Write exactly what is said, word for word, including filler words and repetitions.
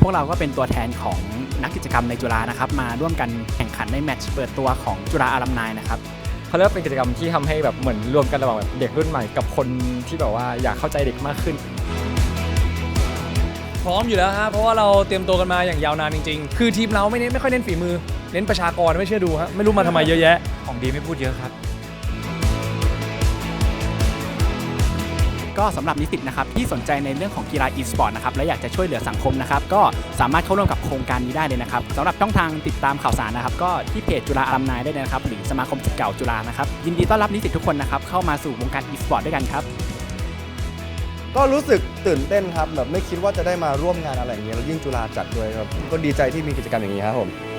พวกเราก็เป็นตัวแทนของนักกิจกรรมในจุฬานะครับมาร่วมกันแข่งขันในแมตช์เปิดตัวของจุฬาอลัมไนนะครับเขาเรียกว่าเป็นกิจกรรมที่ทำให้แบบเหมือนรวมกันระหว่างแบบเด็กรุ่นใหม่กับคนที่แบบว่าอยากเข้าใจเด็กมากขึ้นพร้อมอยู่แล้วฮะเพราะว่าเราเตรียมตัวกันมาอย่างยาวนานจริงๆคือทีมเราไม่เน้นไม่ค่อยเน้นฝีมือเน้นประชากรไม่เชื่อดูฮะไม่รู้มาทำไมเยอะแยะของดีไม่พูดเยอะครับก็สำหรับนิสิตนะครับที่สนใจในเรื่องของกีฬา e-sport นะครับและอยากจะช่วยเหลือสังคมนะครับก็สามารถเข้าร่วมกับโครงการนี้ได้เลยนะครับสำหรับช่องทางติดตามข่าวสารนะครับก็ที่เพจจุฬาอลัมไนได้เลยนะครับหรือสมาคมศิษย์เก่าจุฬานะครับยินดีต้อนรับนิสิตทุกคนนะครับเข้ามาสู่วงการ e-sport ด้วยกันครับก็รู้สึกตื่นเต้นครับแบบไม่คิดว่าจะได้มาร่วมงานอะไรอย่างเงี้ยแล้วยิ่งจุฬาจัดด้วยครับก็ดีใจที่มีกิจกรรมอย่างนี้ครับผม